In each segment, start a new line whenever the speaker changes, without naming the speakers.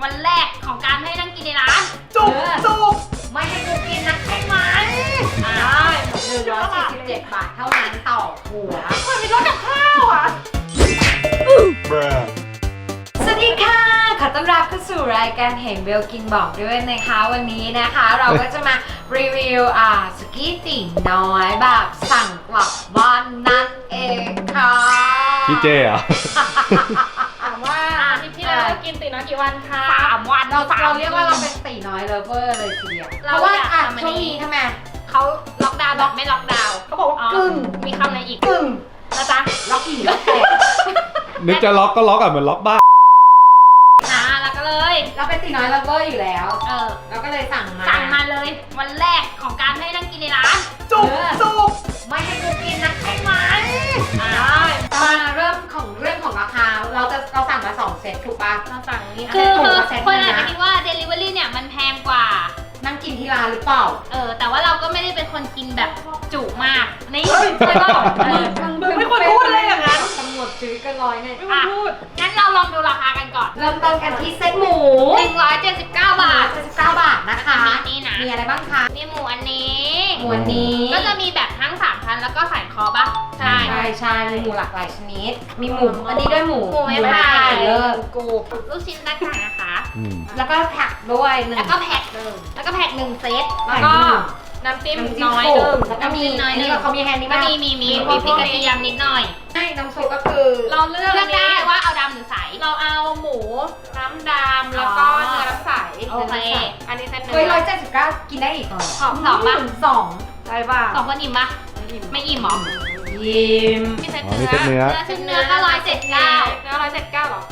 วันแรกของการให้นั่งกินในร้าน
จุก
ไม่ให้กูกินนะใช่ไหมได้147 บาทเท่านั้นต่อหัวมันมีรถกับข้าวอ่ะสวัสดีค่ะขอต้อนรับเข้าสู่รายการเห็นเบลกินบอกด้วยนะคะวันนี้นะคะเราก็จะมารีวิวสุกี้ตี๋น้อยแบบสั่งกลับบ้านนั่นเองค่ะ
พี่เจอ่ะ
ถามว่าอาทิตย์ที่แล้วกินตีน้อยกี่วันคะ3 วัน
เราเรียกว่าเราเป็นตี๋น้อยเลฟเวอร์เลยทีเดียวเพราะว่าช่วงนี้ทำไม
เขาล็อกดาวน์แบบไม่ล็อกดาวน์เขาบอกว่ากึ่งมีคำอะไรอีก
กึ่ง
นะจ๊ะ
ล็อกกี่ล็อกแปด
นึกจะล็อกก็ล็อกอ่ะเหมือนล็อกบ้าน
แล้วก็เลย
เราเป็นตี๋น้อยเลฟเวอร์อยู่แล้ว
เรา
ก็เลยสั่ง
มาเลยวันแรกของการให้นั่งกินในร้าน
จุก
ไม่ให้กูกินนะใช่ไหมมาเรื่องของราคาเราสั่งมา2 เซตถูกปะ
เราสั่งนี้
คือ
คนอาจจะคิดว่า Delivery เนี่ยมันแพงกว่า
นั่งกินที่ร้านหรือเปล่า
แต่ว่าเราก็ไม่ได้เป็นคนกินแบบจุมากนี่
ใช่ป่ะมึงไม่ควรพูดเลยอย่างนั้น
ตำรวจซื้อกันร้อยเนี่ย
ไม่ควรพูด
งั้นเราลองดูราคากันก่อน
เริ่มต้นกันที่เซตหมู
179 บาท
79 บาทนะคะ
นี่นะ
มีอะไรบ้างคะ
มีหมูอันนี้
หมูอันนี้
ก็จะมีแบบทั้ง3ชั้นแล้วก็สันคอปะใช่
ใช่มีหมูหลากหลายชนิด มีหมูอันนี้ด้วยหมู
หมูไม้ไผ่
เลิศ
กู
ลูกชิ้นต่างๆนะคะ
แล้วก็ผักด้วยหนึ่ง
แล้วก็แพ็ค1เซต
แล้วก็น้ำจิ้มน้อย
ห
หนึ่ง
แล้วก็มี
น้อยหนึ่ง
นี่เขามีแฮนด์นี่
ก็
บ้าง
มีพริกกระเทียมนิดหน่อย
ใช่น้ำซุปก็คือ
เราเลือกอัน
ได้
นี้
ว่าเอาดำหรือใส
เราเอาหมูน้ำดำแล้วก็เนื้อน้ำใส
โอเค
อันนี้เส้นเนื้
เฮ้ย179กินได้อีกเหรอ
สองป่ะ
สอง
ใช่ป่ะ
2 คนอิ่มปะไม่อิ่มหรอ
ยิ้ม
มีเส้น
อ๋อ
เนื้
มีเส้นเนื้อ
ชิ้นเนื้อก็179
เนื้อ179หรอ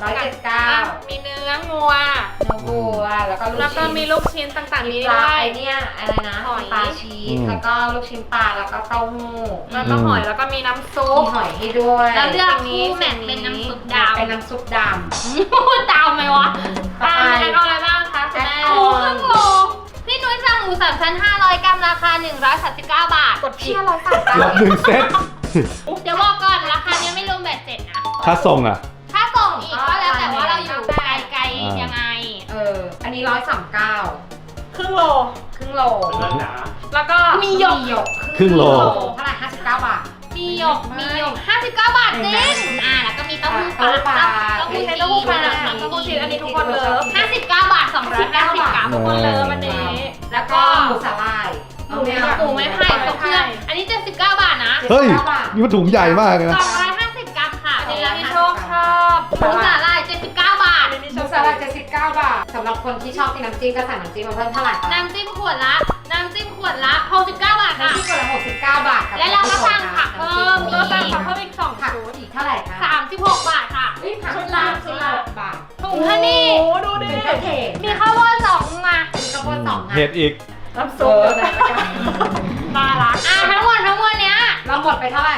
179
มีเนื้องัว
เนื้อวัวแล้วก็ลูก
แล้วก็
ชิ้น
มีลูกชิ้นต่างๆนี้
ปลา
ด้วย
ไอเนี่ยอะไรนะ
หอย
ปลาชีสแล้วก็ลูกชิ้นปลาแล้วก็เต้าหู้
แล้วก็หอยแล้วก็มีน้ำซุ
มี
ป
หอยให้ด้วย
แล้วเลือกคู่แมทเป็นน้ำซุปดำ
เป็นน้ำซุปด
พูดดาวไหมวะ
ำต่อไป
แล้วก็อะไรบ้างคะคุณแม่
แอดอ
หมู
อ
ครึ่งโลพี่นุ้ยสั่งหมู3 ชั้น 500 กรัมราคา 139 บาท
กดผิด
เชี่ย139
รับ1 เซต
เดี๋ยวบอกก่อนราคานี้ไม่รวมแบตเจ็ดนะ
ค่าส่งอ่ะ
ถ้าส่งอีกก็แล้วแต่ว่าเราอยู่ไกลๆยังไง
อันนี้139
ครึ่งโล
ครึ่งโล
แล้วก็
มีหยก
ครึ่งโล
เท่าไหร่59 บาท
มีหยก59 บาทจริงแล้วก็มีเต้าหู้ปลา
เต้าหู้ปลา
เต้าหู้ปลา
เต้าหู้ชีสอันนี้ทุกคนเลิฟ
59 บาท250 กรัม
ทุกคนเลิฟอันนี้
แล้วก็หมูสาลาย
หมูไม้ไผ่ตกเครื่องอันนี้79 บาทนะ
เฮ้ย นี่มันถุงใหญ่มากเลยนะ
250 กรัมค่ะ
อันนี้พี่โชคชอบ
หมูสาหร่าย79 บาท
อันนี้
หมูสาลาย79 บาทสำหรับคนที่ชอบกินน้ำจิ้มก็สั่งน้ำจิ้มมาเพิ่มเท่าไหร่คะ
น้ำจิ้มขวดละ69 บาทค่ะ
น้ำจิ้มคนละ69 บาท
และเราก็สั่งผักเพิ่ม
เราสั่งเพิ่มอีก2
ผัก
ชุด
อีกเท่าไหร่คะ
36 บาทค่ะ
ผัก
ชุดละ
บาท
ถุงฮันนี่
โอ้ดูดิ
เป็นกระเทศ
มีข้าวโพด2มา
มีข้าวโพด2
เห็ดอีก
น้ำซุปเลย
ปลาละทั้งหมดเนี้ย
เราหมดไปเท่าไหร่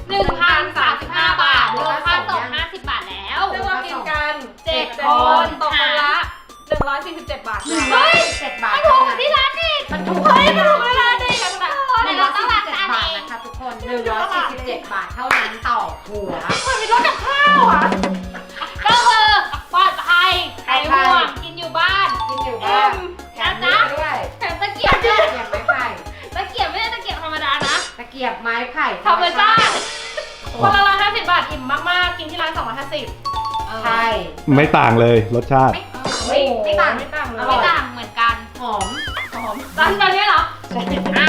1,035 บาทรวมค่าส่ง50 บาทแล้ว
ซึ่งเรากินกัน
7
ค
คน
ตกคนละ147 บาท
เฮ้ย
7 บาท
ถูกที่ร้านอีก
มันถูก
เฮ้ยมันถูกเวลาดีกันนะ
147
เดี๋ยวเราต้องรักษา
บาท
เอง
นะคะทุกคน147 บาทเท่านั้นต่อหัว
มันมีรถกับข้าวอ่ะ
ก็คือปลอดภัยใครห่วงกินอยู่บ้าน
กินอยู่บ้านแถมนี้ไปด้วย
แถมตะเกียบด้วย
ตะเกียบไม้ไผ่
ตะเกียบไม่ใช่ตะเกียบธรรมดานะ
ตะเกียบไม้ไผ่
ธรรมชาติ
คนละ150 บาทอิ่มมากๆ กินที่ร้าน250
ใช่
ไม่ต่างเลยรสชาติ
ไม่ต่าง
ไม่ต่างเลย
ไม่ต่างเหมือนกัน
หอม
ตอนนี้เหรออ่ะ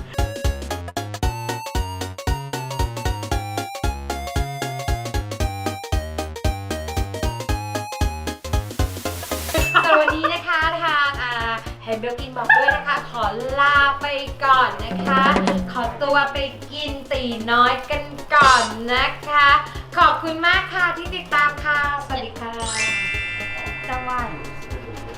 สวัสดีนะคะทางเห็นเบลกินบอกด้วยนะคะ ขอลาไปก่อนนะคะ ขอตัวไปกินตีน้อยกันก่อนนะคะ ขอบคุณมากค่ะที่ติดตามค่ะ สวัสดีค่ะ
สวัสดี